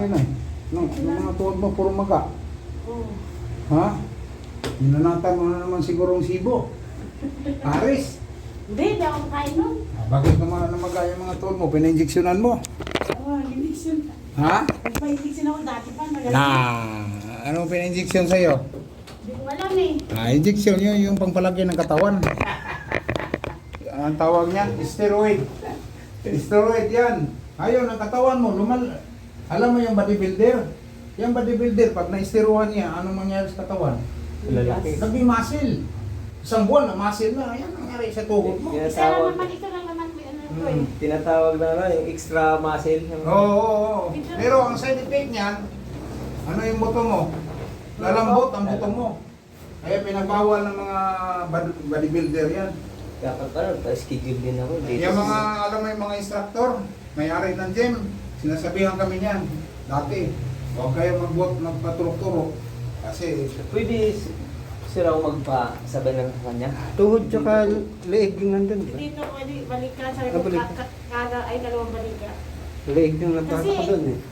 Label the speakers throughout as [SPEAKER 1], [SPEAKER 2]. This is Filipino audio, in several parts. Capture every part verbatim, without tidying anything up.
[SPEAKER 1] laki na eh. No, yung mga tuhod mo, puro maga.
[SPEAKER 2] Oo.
[SPEAKER 1] Ha? Ninanatan mo na naman siguro ang sibo. Paris.
[SPEAKER 2] Hindi, hindi ako makain nun.
[SPEAKER 1] Ah, bakit naman namaga yung mga tuhod mo? Pina-injeksyonan mo?
[SPEAKER 2] Oo, injection.
[SPEAKER 1] Ha?
[SPEAKER 2] Nagpa-injection ako dati pa. Magaling.
[SPEAKER 1] Na, anong pina-injeksyon sa'yo?
[SPEAKER 2] Hindi ko alam eh.
[SPEAKER 1] Ah, injection yun, yung pangpalaki ng katawan. Ang tawag niyan, steroid. Steroid yan. Ayun, ang katawan mo, lumal... Alam mo yung bodybuilder? Yung bodybuilder, pag na-steroidan niya, anong mangyari sa katawan?
[SPEAKER 3] Lalaki.
[SPEAKER 1] Naging muscle. Isang buwan na muscle na. Ayan ang nangyari sa tuhod mo.
[SPEAKER 3] Yan.
[SPEAKER 2] Isa lang naman, ito lang naman may ano ko eh.
[SPEAKER 1] Hmm.
[SPEAKER 3] Tinatawag na ano, yung extra muscle.
[SPEAKER 1] Oo, oo, oo. Pero ang side effect niyan, ano yung buto mo? Lalambot ang buto mo. Kaya pinagbawal ng mga bod- bodybuilder yan.
[SPEAKER 3] Dapat ano, pa-schedule din ako. Dito.
[SPEAKER 1] Yung mga, alam mo yung mga instructor, may-ari ng gym, sinasabihan kami niyan. Dati, huwag kayo magbuot, magpaturok-turok. Kasi,
[SPEAKER 3] Pwede s- sila ako magpasabay ng kanya.
[SPEAKER 4] Tuhod tsaka leeg yung nandun. Diba?
[SPEAKER 2] Dito, pwede balikan. Sabi ko,
[SPEAKER 4] Ah, balik.
[SPEAKER 2] ka- ka- kada ay dalawang balikan.
[SPEAKER 4] Leeg yung nagkaka
[SPEAKER 2] Kasi-
[SPEAKER 4] doon eh.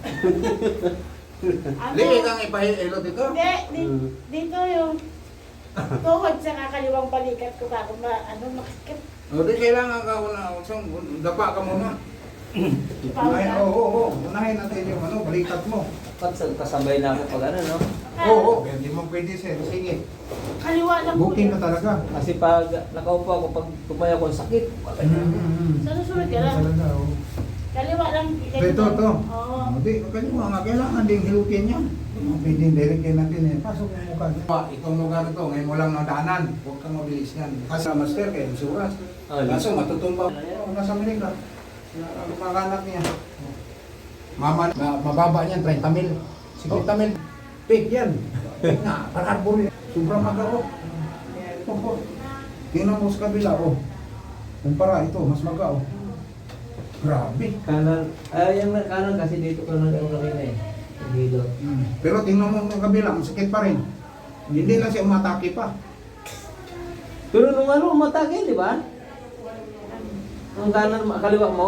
[SPEAKER 2] Ano?
[SPEAKER 1] liit ang ipahilo dito.
[SPEAKER 2] Hindi, di,
[SPEAKER 4] Hmm.
[SPEAKER 2] dito yung tuhod sa kakaliwang balikat ko kako ma ano makikip.
[SPEAKER 1] O di kailangan ka una, usang, dapa ka muna. Unahin,
[SPEAKER 2] Paulan.
[SPEAKER 1] oo, oo, oo. Unahin natin yung ano, balikat mo.
[SPEAKER 3] Dapat sa- kasabay na ako pag ano, no?
[SPEAKER 1] Oo, oo. Hindi mo pwede sir. Sige.
[SPEAKER 2] Kaliwa lang po
[SPEAKER 1] Booking
[SPEAKER 2] yun.
[SPEAKER 1] ka talaga.
[SPEAKER 3] Kasi pag nakaupo ako, pag tumayo ako sakit.
[SPEAKER 2] Sa susunod ka lang.
[SPEAKER 1] Talaga, oo.
[SPEAKER 2] Kaliwa lang.
[SPEAKER 1] Ito, ito, ito.
[SPEAKER 2] Oo.
[SPEAKER 1] Hindi, kaliwa nga. Kailangan din hilutin yan. Pwede direkin natin eh. Pasok yung mukha niya. Pa, itong lugar ito, ngayon mo lang nadaanan. Huwag kang mabilis yan. Kasi sa master kayo, insurance.
[SPEAKER 3] Ah,
[SPEAKER 1] Kaso matutumba. Oo, nasa Manila. Mga anak niya. Mama, ma- mababa niyan, thirty mil. fifty mil. Pig yan. Pig na, pararbol yan. Sobrang magao. Ito po. Tingnan mo sa kabila, oh. Kumpara ito, mas magao. Grabe.
[SPEAKER 3] Kanan, ay yung kanan kasi dito ko nang ano kanina eh. Yung hilo.
[SPEAKER 1] Mm. Pero tingnan mo ang kabila, ang sakit pa rin. Hindi lang siya umatake pa.
[SPEAKER 3] Pero nung ano, umatake, di ba? Ang kanan, kaliwa mo,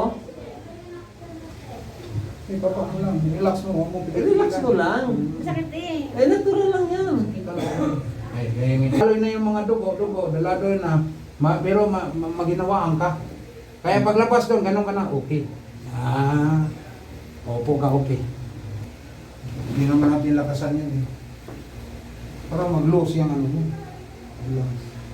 [SPEAKER 1] Eh, papa mo lang, relax mo, huwag mong
[SPEAKER 3] relax mo lang.
[SPEAKER 2] Masakit eh.
[SPEAKER 3] Eh, natural lang yan.
[SPEAKER 1] Ay, ay, Lalo na yung mga dugo, dugo, dalado na, ma, pero ma, ma, maginawaan ka. Kaya paglabas doon, ganun ka na, okay. Ah, opo ka, okay. Hindi naman natin lakasan yan eh. Para mag-lose yung ano mo. Relax.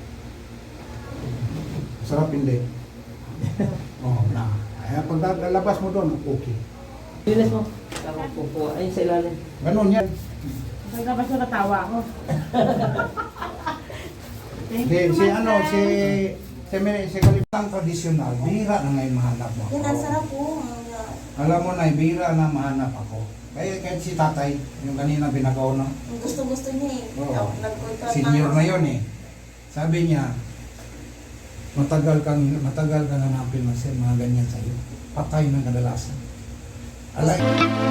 [SPEAKER 1] Sarap hindi. Oo, na. Kaya pag lalabas mo doon, okay.
[SPEAKER 3] Linis mo. Tama po po. Ayun sa ilalim.
[SPEAKER 1] Ganun yan.
[SPEAKER 2] Pagkabas mo natawa ako. Thank
[SPEAKER 1] Si,
[SPEAKER 2] you,
[SPEAKER 1] si
[SPEAKER 2] Master.
[SPEAKER 1] ano, si si, si Kalipang tradisyonal, bihira na ngayon mahanap mo.
[SPEAKER 5] Yan, ang sarap po.
[SPEAKER 1] Alam mo na, bihira na mahanap ako. Kaya kahit si tatay, yung kanina pinagaw na,
[SPEAKER 5] Ang gusto-gusto niya eh.
[SPEAKER 1] Oo.
[SPEAKER 5] Nag-contract
[SPEAKER 1] senior
[SPEAKER 5] ako.
[SPEAKER 1] na yun eh. Sabi niya, matagal kang matagal kang hanapin na sir, mga ganyan sa'yo. Patay ng kadalasan. Alay.